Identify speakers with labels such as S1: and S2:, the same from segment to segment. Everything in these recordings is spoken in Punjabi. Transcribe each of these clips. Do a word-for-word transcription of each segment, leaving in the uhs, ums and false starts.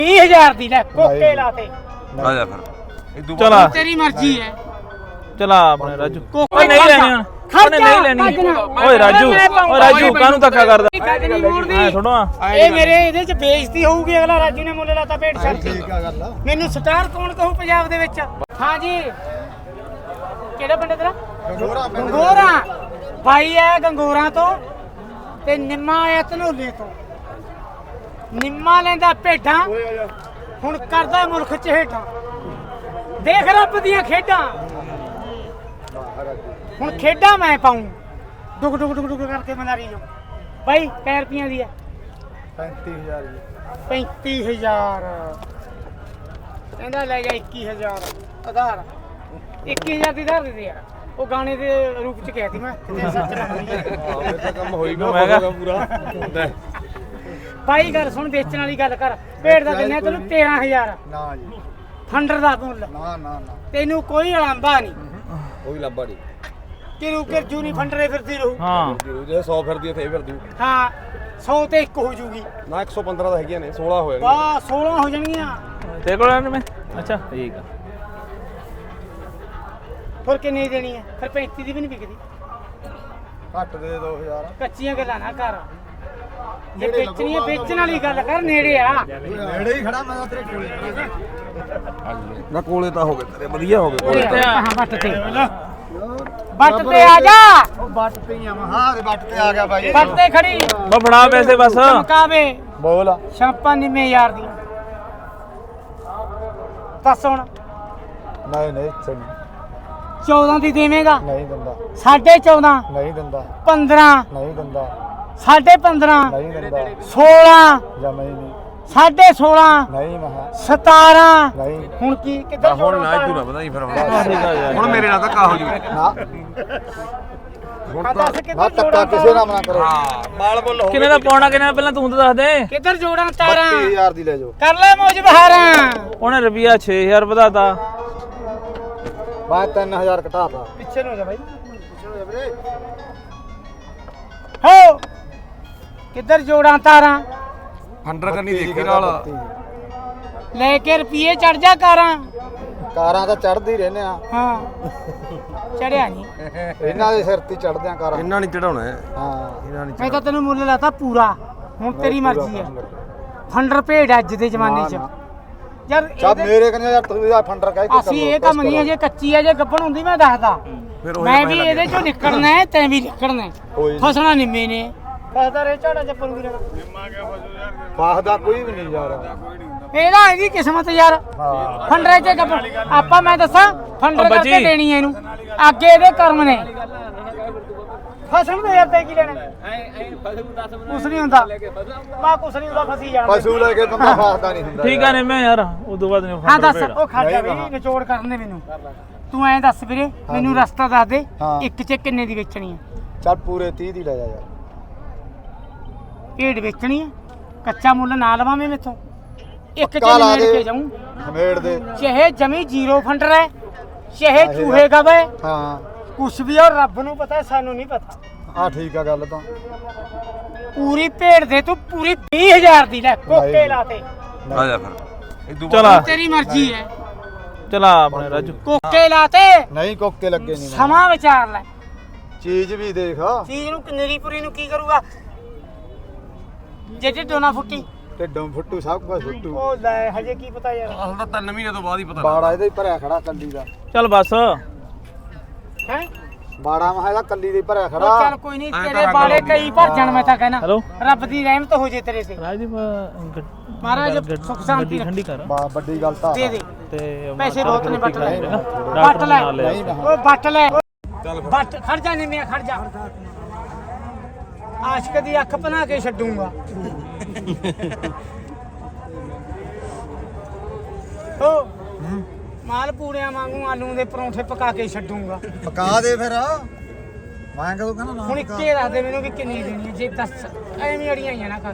S1: बीस हजार दी ले कोके लाते
S2: आ जा फिर
S3: चला
S1: तेरी मर्जी है
S3: चला अपने राजू
S1: कोके
S3: नहीं लेनी ਉਹਨੇ ਨਹੀਂ ਲੈਣੀ ਓਏ ਰਾਜੂ ਓਏ ਰਾਜੂ ਕਾਹਨੂੰ ਧੱਕਾ ਕਰਦਾ ਐ ਥੋੜਾ
S1: ਇਹ ਮੇਰੇ ਇਹਦੇ ਚ ਬੇਇੱਜ਼ਤੀ ਹੋਊਗੀ ਅਗਲਾ ਰਾਜੂ ਨੇ ਮੁੱਲ ਲਾਤਾ ਭੇਡ ਛੱਡ ਠੀਕ ਆ ਗੱਲ ਮੈਨੂੰ ਸਟਾਰ ਕੌਣ ਕਹੂ ਪੰਜਾਬ ਦੇ ਵਿੱਚ ਹਾਂ ਜੀ ਕਿਹੜਾ ਪਿੰਡ ਤੇਰਾ ਗੰਗੋਰਾ ਗੰਗੋਰਾ ਭਾਈ ਹੈ ਗੰਗੋਰਾ ਤੋਂ ਤੇ ਨਿੰਮਾ ਆਇਆ ਧਨੋਲੇ ਤੋਂ ਨਿੰਮਾ ਲੈਂਦਾ ਭੇਡਾਂ ਹੁਣ ਕਰਦਾ ਮੁਲਕ ਚ ਹੇਠਾਂ ਦੇਖ ਰੱਬ ਦੀਆਂ ਖੇਡਾਂ ਹੁਣ ਖੇਡਾਂ ਮੈਂ ਪਾਉਂ ਡੁਕ ਡੁਕ ਡੁਕ ਡੁਕ ਕਰਕੇ ਮਨਾਰੀ ਜੋ ਬਾਈ ਕੈ ਰੁਪਈਆਂ ਦੀ ਹੈ
S4: ਪੈਂਤੀ ਹਜ਼ਾਰ ਜੀ
S1: ਪੈਂਤੀ ਹਜ਼ਾਰ ਕਹਿੰਦਾ ਲੈ ਜਾ ਇੱਕੀ ਹਜ਼ਾਰ ਆਧਾਰ ਇੱਕੀ ਹਜ਼ਾਰ ਦੀ ਆਧਾਰ ਦੇ ਦੇ ਯਾਰ ਉਹ ਗਾਣੇ ਦੇ ਰੂਪ ਚ ਕਹਿਤੀ ਮੈਂ ਕਿਤੇ ਸੱਚ ਨਾ ਹੋਈ
S2: ਇਹ ਤਾਂ ਕੰਮ ਹੋਈ ਗਿਆ ਪੂਰਾ
S1: ਬਾਈ ਗੱਲ ਸੁਣ ਵੇਚਣ ਵਾਲੀ ਗੱਲ ਕਰ ਭੇਡ ਦਾ ਦਿੰਨੇ ਤੈਨੂੰ ਤੇਰਾਂ ਹਜ਼ਾਰ
S4: ਨਾ ਜੀ
S1: ਫੰਡਰ ਦਾ ਮੁੱਲ
S4: ਨਾ ਨਾ ਨਾ
S1: ਤੈਨੂੰ ਕੋਈ ਅਲਾਂਭਾ ਨਹੀਂ
S2: ਕੋਈ ਲੱਭਾ ਨਹੀਂ
S1: ਕਿਰੂ ਕਿਰਜੂ ਨਹੀਂ ਫੰਡਰੇ ਫਿਰਦੀ ਰਹੂ
S3: ਹਾਂ
S2: ਜੇ ਸੌ ਫਿਰਦੀ ਇੱਥੇ ਫਿਰਦੀ
S1: ਹਾਂ ਸੌ ਤੇ ਇੱਕ ਹੋ ਜੂਗੀ
S2: ਨਾ ਇੱਕ ਸੌ ਪੰਦਰਾਂ ਦਾ ਹੈਗੀਆਂ ਨੇ ਸੋਲਾਂ ਹੋਏ
S1: ਵਾਹ ਸੋਲਾਂ ਹੋ ਜਾਣਗੀਆਂ
S3: ਤੇਰੇ ਕੋਲ ਆਣ ਮੈਂ ਅੱਛਾ ਠੀਕ ਆ
S1: ਫਿਰ ਕਿੰਨੀ ਦੇਣੀ ਹੈ ਫਿਰ ਪੈਂਤੀ ਦੀ ਵੀ ਨਹੀਂ ਵਿਕਦੀ
S4: ਘੱਟ ਦੇ ਦੋ ਹਜ਼ਾਰ
S1: ਕੱਚੀਆਂ ਗੱਲਾਂ ਨਾ ਕਰ ਜੇ ਵੇਚਣੀ ਹੈ ਵੇਚਣ ਵਾਲੀ ਗੱਲ ਕਰ ਨੇੜੇ ਆ
S4: ਨੇੜੇ ਹੀ ਖੜਾ ਮੈਂ ਤਾਂ ਤੇਰੇ ਕੋਲ
S2: ਨਾ ਕੋਲੇ ਤਾਂ ਹੋ ਗਏ ਤੇਰੇ ਵਧੀਆ ਹੋ ਗਏ
S1: ਹਾਂ ਵੱਟ ਤੇ ਵੱਟ ਤੇ ਆ ਜਾ
S4: ਉਹ ਬੱਟ ਤੇ ਹੀ ਆ ਮੈਂ ਹਾਂ ਦੇ ਬੱਟ ਤੇ ਆ ਗਿਆ ਬਾਈ
S1: ਵੱਟ ਤੇ ਖੜੀ
S3: ਬਾ ਫੜਾ ਪੈਸੇ ਬਸ
S1: ਚਮਕਾਵੇ
S4: ਬੋਲ
S1: ਛਾਪਾਂ ਨਿੰਮੇ ਯਾਰ ਦੀ ਦੱਸ ਹੁਣ
S4: ਨਹੀਂ ਨਹੀਂ ਛੱਡ
S1: ਚੌਦਾਂ ਦੀ ਦੇਵੇਂਗਾ
S4: ਨਹੀਂ ਦਿੰਦਾ
S1: ਸਾਢੇ ਚੌਦਾਂ
S4: ਨਹੀਂ ਦਿੰਦਾ
S1: ਪੰਦਰਾਂ
S4: ਨਹੀਂ ਦਿੰਦਾ
S1: ਸਾਢੇ ਪੰਦਰਾਂ
S4: ਨਹੀਂ ਦਿੰਦਾ
S1: ਸੋਲਾਂ
S4: ਜਮਾ ਹੀ ਨਹੀਂ
S1: ਸਾਢੇ ਸੋਲਾਂ
S4: ਨਹੀਂ ਮਹਾ
S1: ਸਤਾਰਾਂ
S4: ਨਹੀਂ
S1: ਹੁਣ ਕੀ ਕਿੱਧਰ
S2: ਹੁਣ ਨਾ ਤੂੰ ਨਾ ਪਤਾ ਹੀ ਫਿਰ
S3: ਠੀਕ ਆ ਯਾਰ
S2: ਹੁਣ ਮੇਰੇ ਨਾਲ ਤਾਂ ਕਾ ਹੋ ਜੂ
S4: ਨਾ
S1: ਆ ਦੱਸ
S4: ਨਾ
S1: ਕਿੱਧਰ
S4: ਧੱਕਾ
S1: ਜੋੜਾਂ
S4: ਕਿਸੇ ਨਾਲ ਨਾ ਕਰੋ
S2: ਹਾਂ ਮਾਲ ਮੁੱਲ ਹੋ
S3: ਕਿੰਨੇ ਦਾ ਪਾਉਣਾ ਕਿੰਨੇ ਦਾ ਪਹਿਲਾਂ ਤੂੰ ਤਾਂ ਦੱਸ ਦੇ
S1: ਕਿੱਧਰ ਜੋੜਾਂ ਤਾਰਾਂ
S4: ਬੱਤੀ ਹਜ਼ਾਰ ਦੀ ਲੈ ਜਾਓ
S1: ਕਰ ਲੈ ਮੌਜ ਬਹਾਰਾਂ
S3: ਉਹਨੇ ਰੁਪਿਆ ਛੇ ਹਜ਼ਾਰ ਵਧਾਤਾ
S4: ਮੈਂ ਤਿੰਨ ਹਜ਼ਾਰ ਘਟਾਤਾ
S1: ਪਿੱਛੇ ਨੂੰ ਹੋ ਜਾ ਬਾਈ ਪਿੱਛੇ ਨੂੰ ਹੋ ਜਾ ਵੀਰੇ ਹੋ ਕਿੱਧਰ ਜੋੜਾਂ ਤਾਰਾਂ
S2: ਹੰਡਰ ਕਰਨੀ ਦੇਖੀ ਨਾਲ
S1: ਲੈ ਕੇ ਰੁਪਏ ਚੜ ਜਾ ਕਾਰਾਂ
S4: ਕਾਰਾਂ ਤਾਂ ਚੜਦੀ ਰਹਿੰਦੇ ਆ
S1: ਹਾਂ ਚੜਿਆ ਨਹੀਂ
S4: ਇਹਨਾਂ ਦੇ ਸਿਰ ਤੇ ਚੜਦੇ ਆ ਕਾਰਾਂ
S2: ਇੰਨਾ ਨਹੀਂ ਚੜਾਉਣਾ ਹੈ
S4: ਹਾਂ
S2: ਇਹਨਾਂ ਨਹੀਂ
S1: ਮੈਂ ਤਾਂ ਤੈਨੂੰ ਮੁੱਲ ਲਾਤਾ ਪੂਰਾ ਹੁਣ ਤੇਰੀ ਮਰਜ਼ੀ ਹੈ ਫੰਡਰ ਭੇਡ ਅੱਜ ਦੇ ਜ਼ਮਾਨੇ 'ਚ ਯਾਰ
S4: ਸਭ ਮੇਰੇ ਕਹਿੰਦੇ ਯਾਰ ਤੂੰ ਇਹਦਾ ਫੰਡਰ ਕਹਿ ਕੇ
S1: ਅਸੀਂ ਇਹ ਕੰਮ ਨਹੀਂ ਅਜੇ ਕੱਚੀ ਹੈ ਜੇ ਗੱਭਣ ਹੁੰਦੀ ਮੈਂ ਦੱਸਦਾ
S2: ਫਿਰ ਉਹ
S1: ਮੈਂ ਵੀ ਇਹਦੇ ਚੋਂ ਨਿਕਲਣਾ ਹੈ ਤੈਂ ਵੀ ਨਿਕਲਣਾ ਹੈ
S4: ਕੋਈ ਨੀ।
S1: ਫਸਣਾ ਨਿੰਮੇ ਨੇ ਫਸਦਾ ਰੇ ਝਾੜਾ ਚੱਪਲ ਵੀ ਰਹਿਣਾ
S4: ਫਾਸਦਾ ਕੋਈ ਵੀ ਨਹੀਂ ਯਾਰ
S1: ਇਹਦਾ ਹੈਗੀ ਕਿਸਮਤ ਯਾਰ
S4: ਹਾਂ
S1: ਫੰਡਰੇ ਚ ਗੱਭਣ ਆਪਾਂ ਮੈਂ ਦੱਸਾਂ ਫੰਡਰ
S3: ਉਹ
S1: ਕਰਕੇ
S3: ਬੱਚੀ।
S1: ਦੇਣੀ ਹੈ ਇਹਨੂੰ ਅੱਗੇ ਇਹਦੇ ਕਰਮ ਨੇ ਫਸਣ ਦੇ ਯਾਰ ਤੇ ਕੀ ਲੈਣਾ ਕੁਛ ਨਹੀਂ ਹੁੰਦਾ ਮਾ ਕੁਛ ਨਹੀਂ ਹੁੰਦਾ ਫਸੀ ਜਾਣਾ
S4: ਪਸ਼ੂ ਲੈ ਕੇ ਬੰਦਾ ਫਾਸਦਾ ਨਹੀਂ ਹੁੰਦਾ
S3: ਠੀਕ ਆ ਨੇ ਮੈਂ ਯਾਰ ਉਦੋਂ ਬਾਅਦ ਨੇ
S1: ਹਾਂ ਦੱਸ ਉਹ ਖੜ ਜਾ ਵੀ ਨਿਚੋੜ ਕਰਨ ਦੇ ਮੈਨੂੰ ਤੂੰ ਐਂ ਦੱਸ ਵੀਰੇ ਮੈਨੂੰ ਰਸਤਾ ਦੱਸ ਦੇ
S4: ਹਾਂ।
S1: ਇੱਕ ਚ ਕਿੰਨੇ ਦੀ ਵੇਚਣੀ ਹੈ
S4: ਚੱਲ ਪੂਰੇ ਤੀਹ ਦੀ ਲੈ ਜਾ ਯਾਰ
S1: ਭੇਡ ਵੇਚਣੀ ਹੈ ਕੱਚਾ ਮੁੱਲ ਨਾ ਲਵਾਂ ਮੈਂ ਮੇਥੋਂ ਇੱਕ ਚ
S4: ਪੱਕਾ ਲਾ
S1: ਨਿਮੇੜ
S4: ਦੇ।
S1: ਕੇ ਜਾਊਂ
S4: ਹਮੇੜ ਦੇ
S1: ਚਾਹੇ ਜਮੀ ਜ਼ੀਰੋ ਫੰਡਰ ਹੈ ਚਾਹੇ ਚੂਹੇ ਗਵੇ
S4: ਹਾਂ
S1: ਕੁਛ ਵੀ ਔਰ ਰੱਬ ਨੂੰ ਪਤਾ ਸਾਨੂੰ ਨਹੀਂ ਪਤਾ
S4: ਆ ਠੀਕ ਆ ਗੱਲ ਤਾਂ
S1: ਪੂਰੀ ਭੇਡ ਦੇ ਤੂੰ ਪੂਰੀ ਵੀਹ ਹਜ਼ਾਰ ਦੀ ਲੈ ਕੋਕੇ
S4: ਨਹੀਂ।
S1: ਲਾਤੇ
S2: ਆ ਜਾ ਫਿਰ ਇਦੋਂ
S3: ਚਲਾ
S1: ਤੇਰੀ ਮਰਜ਼ੀ ਹੈ
S3: ਚਲਾ ਆਪਣੇ ਰਾਜੂ
S1: ਕੋਕੇ ਲਾਤੇ
S4: ਨਹੀਂ ਕੋਕੇ ਲੱਗੇ ਨਹੀਂ
S1: ਸਮਾਂ ਵਿਚਾਰ ਲੈ
S4: ਚੀਜ਼ ਵੀ ਦੇਖ
S1: ਚੀਜ਼ ਨੂੰ ਕਿੰਨੇਰੀ ਪੂਰੀ ਨੂੰ ਕੀ ਕਰੂਗਾ ਜੇ ਢਿੱਡੋਂ ਨਾ ਫੁੱਟੀ
S4: ਢਿੱਡੋਂ ਫੁੱਟੂ ਸਭ ਕੁਝ ਫੁੱਟੂ
S1: ਉਹ ਲੈ ਹਜੇ ਕੀ ਪਤਾ ਯਾਰ
S2: ਅਸਲ ਤਾਂ ਤਿੰਨ ਮਹੀਨੇ ਤੋਂ ਬਾਅਦ ਹੀ ਪਤਾ
S4: ਬਾੜਾ ਇਹਦਾ ਹੀ ਭਰਿਆ ਖੜਾ ਕੱਲੀ ਦਾ
S3: ਚੱਲ ਬਸ
S1: ਹੈ
S4: ਬਾੜਾ ਮਹਾ ਇਹਦਾ ਕੱਲੀ ਦੇ ਭਰਿਆ
S1: ਉਹ
S4: ਖੜਾ
S1: ਚੱਲ ਕੋਈ ਨਹੀਂ ਤੇਰੇ ਬਾੜੇ ਕਈ ਭਰ ਜਾਣ ਮੈਂ ਤਾਂ ਕਹਿਣਾ
S3: ਹੈਲੋ
S1: ਰੱਬ ਦੀ ਰਹਿਮਤ ਹੋ ਜੇ ਤੇਰੇ ਤੇ
S3: ਰਾਜਦੀਪ
S1: ਮਹਾਰਾਜ
S3: ਗੱਡ-
S1: ਸੁੱਖ ਸ਼ਾਂਤੀ
S3: ਗੱਡੀ ਠੰਡੀ ਕਰ
S4: ਬਾ ਵੱਡੀ ਗੱਲ ਤਾਂ
S1: ਦੇ ਦੇ
S3: ਤੇ
S1: ਪੈਸੇ ਬਹੁਤ ਨੇ ਵੱਟ ਲੈ
S3: ਡਾਕਟਰ
S1: ਵੱਟ ਲੈ
S3: ਨਾਲ ਲਿਆ।
S4: ਨਹੀਂ ਮੈਂ
S1: ਓਏ ਵੱਟ ਲੈ ਚੱਲ ਵੱਟ ਖੜ ਜਾ ਨਹੀਂ ਮੈਂ ਖੜ ਜਾ ਆਸ਼ਕ ਦੀ ਅੱਖ ਬਣਾ ਕੇ ਛੱਡੂਗਾ ਓ ਮਾਲ ਪੂੜਿਆਂ ਵਾਂਗੂ ਆਲੂ ਦੇ ਪਰੌਂਠੇ ਪਕਾ ਕੇ ਛੱਡੂਗਾ
S4: ਪਕਾ ਦੇ ਫਿਰ ਮੈਂ ਕਦੋਂ ਕਹਿੰਦਾ ਨਾ
S1: ਹੁਣ ਇੱਕੇ ਦੱਸ ਦੇ ਮੈਨੂੰ ਵੀ ਕਿੰਨੀ ਦੇਣੀ ਹੈ ਜੇ ਦੱਸ ਐਵੇਂ ਅੜੀਆਂ ਆਈਆਂ ਨਾ ਕਰ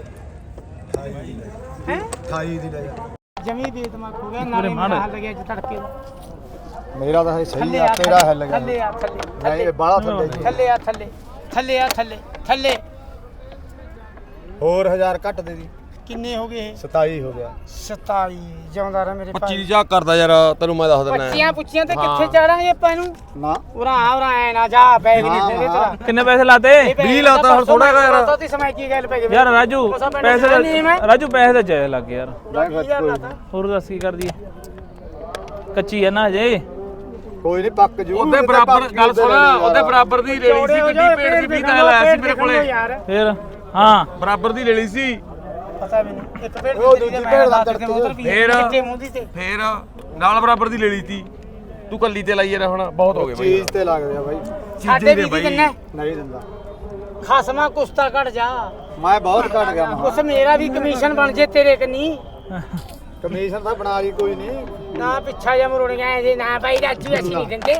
S1: ਹੈ
S4: ਅਠਾਈ ਦੀ ਲੈ ਜਾ
S1: ਜਮੀ ਬੇਦਮਾਗ ਹੋ ਗਿਆ ਨਾਲੇ ਮੇਰਾ ਹੱਲ ਗਿਆ ਅੱਜ ਤੜਕੇ ਦਾ
S4: ਮੇਰਾ ਤਾਂ ਹੈ ਸਹੀ
S1: ਥੱਲੇ
S4: ਆ
S1: ਆ
S4: ਤੇਰਾ ਹਿੱਲ ਗਿਆ
S1: ਥੱਲੇ ਆ ਥੱਲੇ
S4: ਨਹੀਂ ਇਹ ਬਾਹਲਾ ਥੱਲੇ ਜੀ
S1: ਥੱਲੇ ਆ ਥੱਲੇ ਥੱਲੇ ਆ ਥੱਲੇ ਥੱਲੇ
S4: ਹੋਰ ਹਜ਼ਾਰ ਘੱਟ ਦੇ ਦੀ
S1: ਕਿੰਨੇ ਹੋ ਗਏ
S4: ਸਤਾਈ ਹੋ ਗਿਆ
S1: ਸਤਾਈ ਜਿਉਂਦਾ ਰਹਿ ਮੇਰੇ
S2: ਪੱਚੀ ਦੀ ਚਾਹ ਕਰਦਾ ਯਾਰ ਤੈਨੂੰ ਮੈਂ ਦੱਸ ਦਿੰਦਾ
S1: ਪੱਚੀਆਂ ਪੁੱਛੀਆਂ ਤੇ ਕਿੱਥੇ ਚਾੜਾਂਗੇ ਆਪਾਂ ਇਹਨੂੰ
S4: ਨਾ
S1: ਉਰਾ ਉਰਾ ਐ ਨਾ ਜਾ ਬੈਗ ਨਹੀਂ ਤੇਰੇ ਤੇਰਾ
S3: ਕਿੰਨੇ ਪੈਸੇ ਲਾਤੇ
S2: ਵੀਹ ਲਾਤਾ ਹੁਣ ਥੋੜਾ ਜਿਹਾ ਯਾਰ
S1: ਤੇ ਸਮਝ ਕੀ ਗੱਲ ਪੈ ਗਈ
S3: ਯਾਰ ਰਾਜੂ ਪੈਸੇ ਤਾਂ- ਰਾਜੂ ਪੈਸੇ ਤਾਂ ਚਾਹੇ ਲੱਗ ਯਾਰ ਹੋਰ ਦੱਸ ਕੀ ਕਰਦੀ ਹੈ ਕੱਚੀ ਹੈ ਨਾ ਹਜੇ
S4: ਕੋਈ ਨਹੀਂ ਪੱਕ ਜੂ
S2: ਉਹਦੇ ਬਰਾਬਰ ਗੱਲ ਸੁਣ ਉਹਦੇ ਬਰਾਬਰ ਦੀ ਰੇਲੀ ਸੀ ਗੱਡੀ ਪੇਟ ਦੀ ਵੀਹ ਦਾ ਲਾਇਆ ਸੀ ਮੇਰੇ ਕੋਲੇ
S3: ਫਿਰ ਹਾਂ
S2: ਬਰਾਬਰ ਦੀ ਰੇਲੀ ਸੀ
S1: ਪਤਾ ਮੈਨੂੰ ਇੱਕ ਪੇੜ
S4: ਉਹ ਦੂਜੀ ਭੇਡ ਦਾ ਤੜਕੇ
S2: ਫੇਰ
S1: ਕਿੱਥੇ ਮੂੰਹ ਦੀ ਤੇ
S2: ਫੇਰ ਨਾਲ ਬਰਾਬਰ ਦੀ ਰੇਲੀ ਤੀ ਤੂੰ ਕੱਲੀ ਤੇ ਲਾਈ ਯਾਰ ਹੁਣ ਬਹੁਤ ਹੋ ਗਏ ਬਾਈ
S4: ਚੀਜ਼ ਤੇ ਲੱਗਦੇ ਆ ਬਾਈ
S1: ਸਾਡੇ ਵੀ ਦੀ ਦਿੰਨਾ
S4: ਨਹੀਂ ਦਿੰਦਾ
S1: ਖਸਮਾ ਕੁਸਤਾ ਘਟ ਜਾ
S4: ਮੈਂ ਬਹੁਤ ਘਟ ਗਿਆ ਮਾਂ
S1: ਉਸ ਮੇਰਾ ਵੀ ਕਮਿਸ਼ਨ ਬਣ ਜੇ ਤੇਰੇ ਕਨੀ
S4: ਕਮਿਸ਼ਨ ਤਾਂ ਬਣਾ ਲਈ ਕੋਈ ਨਹੀਂ
S1: ਨਾ ਪਿੱਛਾ ਜਾਂ ਮਰੋੜੀਆਂ ਜੇ ਨਾ ਬਾਈ ਰਾਜੂ ਅਸੀਂ ਨਹੀਂ ਦਿੰਦੇ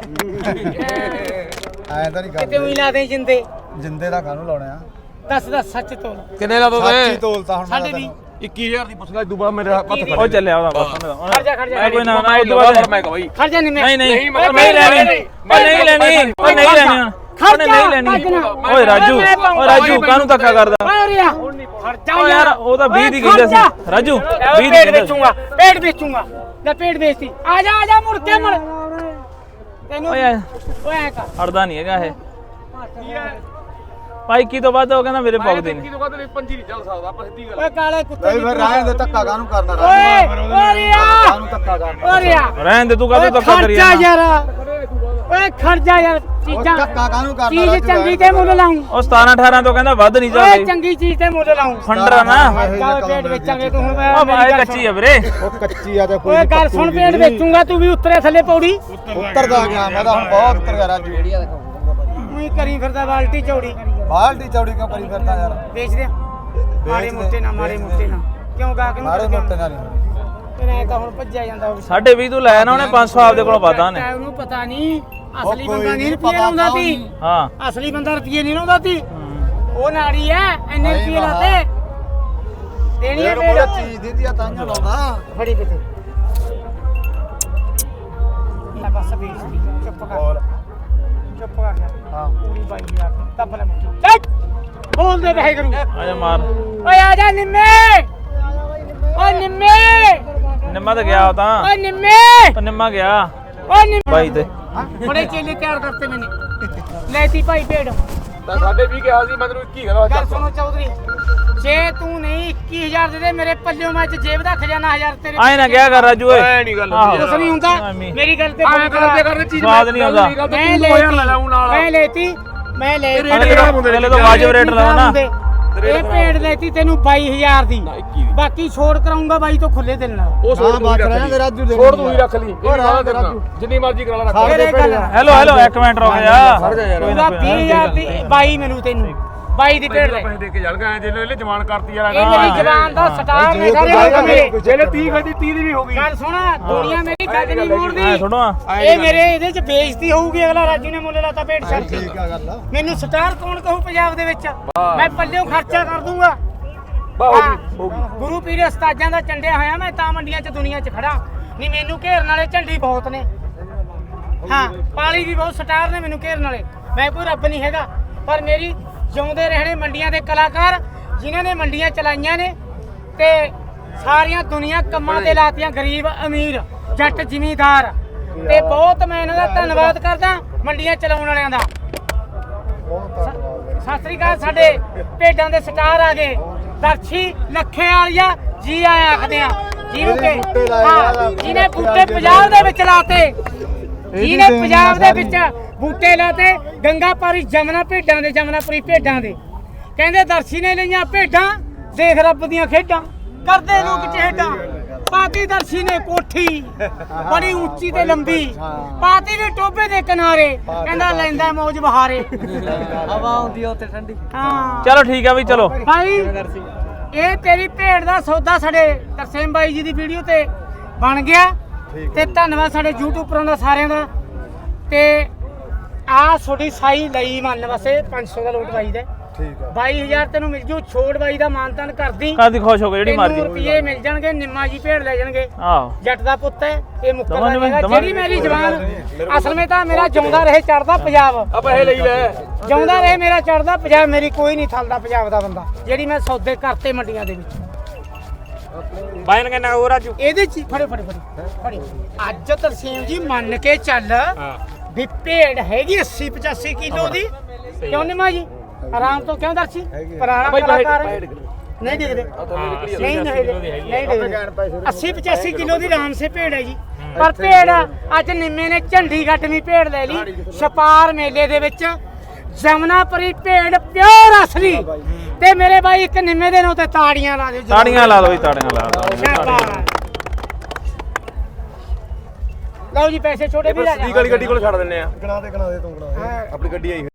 S4: ਐਂ ਤਾਂ ਨਹੀਂ
S1: ਕਿਤੇ
S4: ਕਰਦੇ
S1: ਉਹੀ ਲਾ ਦੇ ਜਿੰਦੇ
S4: ਜਿੰਦੇ ਦਾ ਕਾਹਨੂੰ ਲਾਉਣੇ ਆ
S1: ਦੱਸ ਦੱਸ ਸੱਚ ਤੋਲ
S2: ਕਿੰਨੇ ਲਾ ਦੋ
S4: ਸੱਚੀ ਤੋਲਤਾ ਹੁਣ
S1: ਸਾਡੇ ਵੀ
S2: ਇੱਕੀ ਹਜ਼ਾਰ ਦੀ ਪੁੱਛ ਲੈ ਦੁਬਾਰਾ ਮੇਰੇ ਹੱਥ ਫੜ
S3: ਉਹ ਚੱਲਿਆ ਉਹਦਾ ਬਸ
S1: ਖੜ ਜਾ ਖੜ ਜਾ
S3: ਕੋਈ ਨਾ ਨਾ ਉਦੋਂ ਬਾਅਦ
S2: ਮੈਂ ਕਹਾਂ ਬਾਈ
S1: ਖੜ ਜਾ ਨਹੀਂ
S3: ਨਹੀਂ ਨਹੀਂ
S2: ਨਹੀਂ,
S3: ਉਹ ਨਹੀਂ ਲੈਣੀ ਉਹ ਨਹੀਂ ਲੈਣੀ ਉਹ ਨਹੀਂ ਲੈਣੀ ਉਹਨੇ ਨਹੀਂ ਲੈਣੀ ਓਏ ਰਾਜੂ ਓਏ ਰਾਜੂ ਕਾਹਨੂੰ ਧੱਕਾ ਕਰਦਾ
S1: ਓਏ ਰਿਆ ਖੜ ਜਾ
S3: ਓ ਯਾਰ ਉਹ ਤਾਂ ਵੀਹ ਦੀ ਕਹਿੰਦਾ ਸੀ ਰਾਜੂ ਵੀਹ ਦੀ
S1: ਪੇੜ
S3: ਕਹਿੰਦਾ
S1: ਵੇਚੂਗਾ ਪੇੜ ਵੇਚੂਗਾ ਲੈ ਪੇੜ ਵੇਚਤੀ ਆ ਜਾ ਆ ਜਾ ਮੁੜ ਕੇ ਮੁੜ ਤੈਨੂੰ
S3: ਓਏ
S1: ਓਏ ਐ ਕਰ
S3: ਹੜਦਾ ਨਹੀਂ ਹੈਗਾ ਇਹ ਭਾਈ ਕੀ ਤੋਂ ਵੱਧ ਉਹ ਕਹਿੰਦਾ ਮੇਰੇ ਪੌਗਦੇ ਨੇ
S2: ਤੋਂ ਬਾਅਦ ਪੰਜੀ ਨਹੀਂ ਚੱਲ ਸਕਦਾ ਆਪਾਂ ਸਿੱਧੀ ਗੱਲ
S1: ਓਏ ਕਾਲੇ ਕੁੱਤੇ
S4: ਨਹੀਂ ਫਿਰ ਰਹਿਣ ਦੇ ਧੱਕਾ ਕਾਹਨੂੰ ਕਰਨਾ
S1: ਓਏ ਓ ਰਿਆ
S4: ਕਾਹਨੂੰ ਧੱਕਾ ਕਰਨਾ
S1: ਓ ਰਿਆ
S3: ਰਹਿਣ ਦੇ ਤੂੰ ਕਾਹਤੋਂ ਧੱਕਾ ਕਰੀ
S1: ਖਰਚਾ
S3: ਜਾਂਦਾ
S1: ਯਾਰ ਓਏ ਖਰਚਾ ਯਾਰ ਚੀਜ਼ਾਂ
S4: ਧੱਕਾ ਕਾਹਨੂੰ ਕਰਨਾ
S1: ਚੀਜ਼
S4: ਰਾਜੂ
S1: ਚੰਗੀ
S4: ਯਾਰ?
S1: ਤੇ ਮੁੱਲ ਲਾਉਂ
S3: ਉਹ ਸਤਾਰਾਂ ਅਠਾਰਾਂ ਤੋਂ ਕਹਿੰਦਾ ਵੱਧ ਨਹੀਂ
S1: ਓਏ
S3: ਚੱਲਦੀ
S1: ਚੰਗੀ ਚੀਜ਼ ਤੇ ਮੁੱਲ ਲਾਉਂ
S3: ਫੰਡਰ ਨਾ
S1: ਚੱਲ ਪੇੜ ਵੇਚਾਂਗੇ ਤੂੰ ਹੁਣ
S3: ਉਹ ਬਾਈ ਕੱਚੀ ਆ ਵੀਰੇ
S4: ਉਹ ਕੱਚੀ ਆ ਤੇ ਕੋਈ
S1: ਓਏ ਗੱਲ ਸੁਣ ਪੇੜ ਵੇਚੂਗਾ ਤੂੰ ਵੀ ਉੱਤਰੇ ਥੱਲੇ ਪੌੜੀ
S4: ਉੱਤਰਦਾ ਗਿਆ ਮੈਂ ਤਾਂ ਹੁਣ ਬਹੁਤ ਉੱਤਰ ਗਿਆ ਰਾਜੂ
S1: ਉਹੀ ਕਰੀ ਫਿਰਦਾ ਬਾਲਟੀ ਚੌੜੀ
S4: ਬਾਲਟੀ ਚੌੜੀ ਕਿਉਂ ਕਰੀ ਫਿਰਦਾ ਯਾਰ
S1: ਵੇਚ ਦੇ ਮਾਰੇ ਮੋਟੇ ਨਾ ਮਾਰੇ ਮੋਟੇ ਨਾ ਕਿਉਂ ਗਾ ਕੇ
S4: ਮਾਰੇ ਮੋਟੇ ਨਾਲ ਨਹੀਂ
S1: ਫਿਰ ਐ ਤਾਂ ਹੁਣ ਭੱਜਿਆ ਜਾਂਦਾ ਉਹ
S3: ਸਾਢੇ ਵੀਹ ਤੂੰ ਲੈ ਨਾ ਉਹਨੇ ਪੰਜ ਸੌ ਆਪਦੇ ਕੋਲੋਂ ਵਾਦਾ ਨੇ
S1: ਉਹਨੂੰ ਪਤਾ ਨਹੀਂ ਅਸਲੀ
S4: ਕੋਈ
S1: ਬੰਦਾ ਨਹੀਂ
S4: ਨਹੀਂ
S1: ਰੁਪਏ
S4: ਪਤਾ
S1: ਲਾਉਂਦਾ
S4: ਤਾਂ
S1: ਸੀ
S4: ਉਹਨੂੰ।
S3: ਹਾਂ
S1: ਅਸਲੀ ਬੰਦਾ ਰੁਪਏ ਨਹੀਂ ਲਾਉਂਦਾ ਸੀ ਉਹ ਨਾੜੀ ਐ ਇੰਨੇ
S4: ਨਹੀਂ
S1: ਰੁਪਏ
S4: ਵਾਹ।
S1: ਲਾਤੇ ਦੇਣੀ ਐ
S4: ਇਹ ਕੋਲ
S1: ਪੇੜ
S4: ਚੀਜ਼ ਦਿੱਤੀ ਆ ਤਾਂ ਲਾਉਂਦਾ
S1: ਫੜੀ ਕਿਤੇ ਲੈ ਬਸ ਬੇਇੱਜ਼ਤੀ ਚੁੱਪ ਕਰ ਚੁੱਪ ਕਰ ਜਾ
S4: ਹਾਂ
S1: ਪੂਰੀ ਬਾਈ ਯਾਰ ਦੱਬ ਲੈ ਮੁੱਠੀ ਚੱਕ ਬੋਲ ਦੇ ਬਹਿ ਕਰੂ
S3: ਆ ਜਾ ਮਾਰ
S1: ਓਏ ਆ ਜਾ ਨਿੰਮੇ ਓਏ ਨਿੰਮੇ
S3: ਨਿੰਮਾ ਤਾਂ ਗਿਆ ਉਹ ਤਾਂ
S1: ਓਏ ਨਿੰਮੇ
S3: ਉਹ ਨਿੰਮਾ ਗਿਆ
S1: ਓਏ ਨਿੰਮੇ
S3: ਬਾਈ ਤੇ
S1: ਬੜੇ ਚੇਲੇ ਤਿਆਰ ਕਰਤੇ ਮੈਨੇ ਲੈਤੀ ਭਾਈ ਭੇਡ
S2: ਤਾਂ ਸਾਡੇ ਵੀ ਕਿਹਾ ਸੀ ਮੈਂ ਤੈਨੂੰ ਇੱਕੀ ਕਹਿੰਦਾ
S1: ਗੱਲ ਸੁਣੋ ਚੌਧਰੀ ਜੇ ਤੂੰ ਨਹੀਂ ਇੱਕੀ ਹਜ਼ਾਰ ਦੇ ਦੇ ਮੇਰੇ ਪੱਲਿਓਂ ਮੈਂ ਚ ਜੇਬ ਦਾ ਖਜ਼ਾਨਾ ਹਜ਼ਾਰ ਤੇਰੇ
S3: ਆਏ ਨਾ ਕਿਹਾ ਕਰ ਰਾਜੂ ਓਏ
S2: ਐ ਨਹੀਂ ਗੱਲ
S3: ਆਹੋ।
S1: ਕੁਛ ਨਹੀਂ ਹੁੰਦਾ
S3: ਐਵੇਂ।
S1: ਮੇਰੀ ਗੱਲ ਤੇ
S2: ਐ ਕਰਦੇ ਕਰਦੇ ਚੀਜ਼
S3: ਸਵਾਦ ਨਹੀਂ ਆਉਂਦਾ।
S1: ਮੈਂ ਲੈਤੀ ਮੈਂ ਲੈਤੀ ਮੈਂ ਲੈਤੀ
S3: ਪਹਿਲੇ ਤਾਂ ਵਾਜਬ ਰੇਟ ਲਾਓ ਨਾ
S1: ਇਹ ਭੇਡ ਲੈਤੀ ਤੈਨੂੰ ਬਾਈ ਹਜ਼ਾਰ ਦੀ ਬਾਕੀ ਛੋੜ ਕਰਾਉਂਗਾ ਬਾਈ ਤੋਂ ਖੁੱਲੇ ਦਿਲ ਨਾਲ
S2: ਉਹ
S4: ਹਾਂ
S2: ਛੋੜ
S4: ਬਾਤ ਰਹਿਣਾ ਤੇ ਰਾਜੂ ਦੇ
S2: ਛੋੜ ਤੂੰ ਹੀ ਰੱਖ ਲਈ
S4: ਉਹ ਰਾਜੂ ਦੇ ਰਾਜੂ
S2: ਜਿੰਨੀ ਮਰਜ਼ੀ ਕਰਾ ਲੈ
S4: ਸਾਡੇ
S1: ਤੇਰੇ
S4: ਭੇਡ
S1: ਗੱਲ
S3: ਹੈਲੋ ਹੈਲੋ ਇੱਕ ਮਿੰਟ ਰੁਕ ਜਾ
S2: ਖੜ ਜਾ ਯਾਰ
S3: ਕੋਈ ਨਾ
S1: ਪੂਰਾ ਵੀਹ ਹਜ਼ਾਰ ਦੀ ਬਾਈ ਮੈਨੂੰ ਤੈਨੂੰ ਬਾਈ ਦੀ ਭੇਡ ਲੈ
S2: ਪੈਸੇ ਦੇ ਕੇ ਜਲ ਗਏ ਜਿਹਨੇ ਇਹਨੇ ਜਵਾਨ ਕਰਤੀ ਯਾਰ
S1: ਇਹ ਮੇਰੀ ਜ਼ਬਾਨ ਦਾ ਸਟਾਰ ਨੇ ਸਾਰੇ ਲੋਕ ਮੇਰੇ
S2: ਜਿਹਨੇ ਤੀਹ ਗਈ ਤੀਹ ਦੀ ਵੀ ਹੋ ਗਈ
S1: ਗੱਲ ਸੁਣ ਦੁਨੀਆ ਮੇਰੀ ਗੱਲ ਨਹੀਂ
S3: ਐ
S1: ਮੋੜਦੀ
S3: ਸੁਣੋ
S1: ਇਹ ਮੇਰੇ ਇਹਦੇ ਚ ਬੇਇੱਜ਼ਤੀ ਹੋਊਗੀ ਅਗਲਾ ਰਾਜੂ ਨੇ ਮੁੱਲ ਲਾਤਾ ਭੇਡ ਛੱਡ ਕੇ
S4: ਠੀਕ ਆ ਗੱਲ
S1: ਮੈਨੂੰ ਸਟਾਰ ਕੌਣ ਕਹੂ ਪੰਜਾਬ ਦੇ ਵਿੱਚ ਮੈਂ ਪੱਲਿਓਂ ਖਰਚਾ ਕਰ ਦੂੰਗਾ
S2: ਬਾ
S1: ਹਾਂ, ਗੁਰੂ ਪੀਰ ਉਸਤਾਦਾਂ ਦਾ ਚੰਡਿਆ ਹੋਇਆ ਮੈਂ ਤਾਂ ਮੰਡੀਆਂ 'ਚ ਦੁਨੀਆ 'ਚ ਖੜਾ ਨਹੀਂ ਮੈਨੂੰ ਘੇਰਨ ਵਾਲੇ ਝੰਡੀ ਬਹੁਤ ਨੇ ਹਾਂ ਪਾਲੀ ਵੀ ਬਹੁਤ ਸਟਾਰ ਨੇ ਮੈਨੂੰ ਘੇਰਨ ਵਾਲੇ ਮੈਂ ਕੋਈ ਰੱਬ ਨਹੀਂ ਹੈਗਾ ਪਰ ਮੇਰੀ ਜਿਉਂਦੇ ਰਹਿਣੇ ਮੰਡੀਆਂ ਦੇ ਕਲਾਕਾਰ ਜਿਨ੍ਹਾਂ ਨੇ ਮੰਡੀਆਂ ਚਲਾਈਆਂ ਨੇ ਤੇ ਸਾਰੀਆਂ ਦੁਨੀਆ ਕੰਮਾਂ ਤੇ ਲਾਤੀਆਂ ਗਰੀਬ ਅਮੀਰ ਜੱਟ ਜ਼ਿਮੀਂਦਾਰ ਤੇ ਬਹੁਤ ਮੈਂ ਇਹਨਾਂ ਦਾ ਧੰਨਵਾਦ ਕਰਦਾ ਮੰਡੀਆਂ ਚਲਾਉਣ ਵਾਲਿਆਂ ਦਾ ਸਤਿ ਸ੍ਰੀ ਅਕਾਲ ਸਾਡੇ ਭੇਡਾਂ ਦੇ ਸਟਾਰ ਆ ਗਏ ਦਰਸ਼ੀ ਲੱਖੇ ਵਾਲੀਆ ਜੀ ਆਇਆ ਆਖਦੇ ਆ ਜਿਹਨੂੰ ਕਿ ਹਾਂ ਜਿਹਨੇ ਬੂਟੇ ਪੰਜਾਬ ਦੇ ਵਿੱਚ ਲਾਤੇ ਜਿਹਨੇ ਪੰਜਾਬ ਦੇ ਵਿੱਚ ਬੂਟੇ ਲਾਤੇ ਗੰਗਾਪੁਰੀ ਜਮਨਾ ਭੇਡਾਂ ਦੇ ਜਮਨਾਪੁਰੀ ਭੇਡਾਂ ਦੇ ਕਹਿੰਦੇ ਦਰਸ਼ੀ ਨੇ ਲਈਆਂ ਭੇਡਾਂ ਦੇਖ ਰੱਬ ਦੀਆਂ ਖੇਡਾਂ ਕਰਦੇ ਲੋਕ ਚਿਹੜਾ ਪਾਤੀ ਦਰਸ਼ੀ ਨੇ ਕੋਠੀ ਬੜੀ ਉੱਚੀ ਤੇ ਲੰਬੀ ਪਾਤੀ ਵੀ ਟੋਬੇ ਦੇ ਕਿਨਾਰੇ ਕਹਿੰਦਾ ਲੈਂਦਾ ਮੌਜ ਬਹਾਰੇ ਹਵਾ ਆਉਂਦੀ ਉੱਤੇ ਠੰਡੀ ਹਾਂ
S3: ਚਲੋ ਠੀਕ ਆ ਵੀ ਚਲੋ
S1: ਭਾਈ ਇਹ ਤੇਰੀ ਭੇਡ ਦਾ ਸੌਦਾ ਸਾਡੇ ਤਰਸੇਮ ਬਾਈ ਜੀ ਦੀ ਵੀਡੀਓ ਤੇ ਬਣ ਗਿਆ ਤੇ ਧੰਨਵਾਦ ਸਾਡੇ ਯੂਟਿਊਬਰਾਂ ਦਾ ਸਾਰਿਆਂ ਦਾ ਤੇ ਆ ਛੋਟੀ ਸਾਈ ਲਈ ਮੰਨ ਵਸੇ ਪੰਜ ਸੌ ਦਾ ਲੋਟ ਬਾਈ ਦਾ
S4: ਠੀਕ ਆ
S1: ਬਾਈ ਹਜ਼ਾਰ ਤੈਨੂੰ ਮਿਲ ਜੂ ਛੋੜ ਬਾਈ ਦਾ ਮਾਨਤਾਨ ਕਰਦੀ
S3: ਕਾਦੀ ਖੁਸ਼ ਹੋ ਗਏ ਜਿਹੜੀ ਮਰਜ਼ੀ
S1: ਰੁਪਏ ਮਿਲ ਜਾਣਗੇ ਨਿੰਮਾ ਜੀ ਭੇਡ ਲੈ ਜਾਣਗੇ
S3: ਆਹੋ
S1: ਜੱਟ ਦਾ ਪੁੱਤ ਹੈ ਇਹ ਮੁੱਕਰ
S3: ਦਵਾਂ ਨੀ ਮੈਂ-
S1: ਦਾ
S3: ਦਵਾਂ
S1: ਜਿਹੜੀ ਮੇਰੀ ਜਵਾਨ ਅਸਲ ਵਿੱਚ ਤਾਂ ਮੇਰਾ ਜਿਉਂਦਾ ਰਹੇ ਚੜਦਾ ਪੰਜਾਬ
S2: ਆ ਪੈਸੇ ਲਈ ਲੈ
S1: ਜਿਉਂਦਾ ਰਹੇ ਮੇਰਾ ਚੜਦਾ ਪੰਜਾਬ ਮੇਰੀ ਕੋਈ ਨਹੀਂ ਥਲਦਾ ਪੰਜਾਬ ਦਾ ਬੰਦਾ ਜਿਹੜੀ ਮੈਂ ਸੌਦੇ ਕਰਤੇ ਮੰਡੀਆਂ ਦੇ ਵਿੱਚ
S2: ਬਾਇਨ ਕਿੰਨਾ ਉਹ ਰਾਜੂ
S1: ਇਹਦੇ ਚ ਹੀ- ਫੜੋ ਫੜੋ ਫੜੋ ਫੜੋ ਅੱਜ ਤਰਸੇਮ ਜੀ ਮੰਨ ਕੇ ਚੱਲ
S2: ਹਾਂ
S1: ਵੀ ਭੇਡ ਹੈਗੀ ਅੱਸੀ ਪਚਾਸੀ ਕਿਲੋ ਦੀ ਕਿਉਂ ਨਹੀਂ ਮਾਂ ਜੀ ਆਰਾਮ ਤੋਂ ਕਿਉਂ ਦਰਸ਼ੀ ਪੁਰਾਣਾ ਕਲਾਕਾਰ ਹੈ। ਨਹੀਂ ਦਿਖਦੇ ਨਹੀਂ ਨਹੀਂ ਨਹੀਂ ਦਿਖਦੇ ਅੱਸੀ ਪਚਾਸੀ ਕਿਲੋ ਦੀ ਆਰਾਮ ਸੇ ਭੇਡ ਹੈ ਜੀ ਪਰ ਭੇਡ ਅੱਜ ਨਿੰਮੇ ਨੇ ਝੰਡੀ ਗੱਟਵੀਂ ਭੇਡ ਲੈ ਲਈ ਛਪਾਰ ਮੇਲੇ ਦੇ ਵਿੱਚ ਜਮਨਾਪੁਰੀ ਭੇਡ ਪਿਓਰ ਅਸਲੀ ਤੇ ਮੇਰੇ ਬਾਈ ਇੱਕ ਨਿੰਮੇ ਦੇ ਨਾਂ ਤੇ ਤਾੜੀਆਂ ਲਾ ਦਿਓ ਜੀ।
S3: ਤਾੜੀਆਂ ਲਾ ਦਿਓ ਜੀ, ਤਾੜੀਆਂ ਲਾ ਦਿਓ।
S1: ਸ਼ਾਬਾਸ਼। ਲਓ ਜੀ ਪੈਸੇ ਛੋਟੇ ਵੀ ਲੈ ਜਾ
S2: ਗੱਡੀ ਕੋਲ ਛੱਡ ਦਿੰਨੇ ਆ
S4: ਗਣਾ ਦੇ ਗਣਾ ਦੇ ਤੂੰ ਗਣਾ ਦੇ ਆਪਣੀ ਗੱਡੀ ਆਈ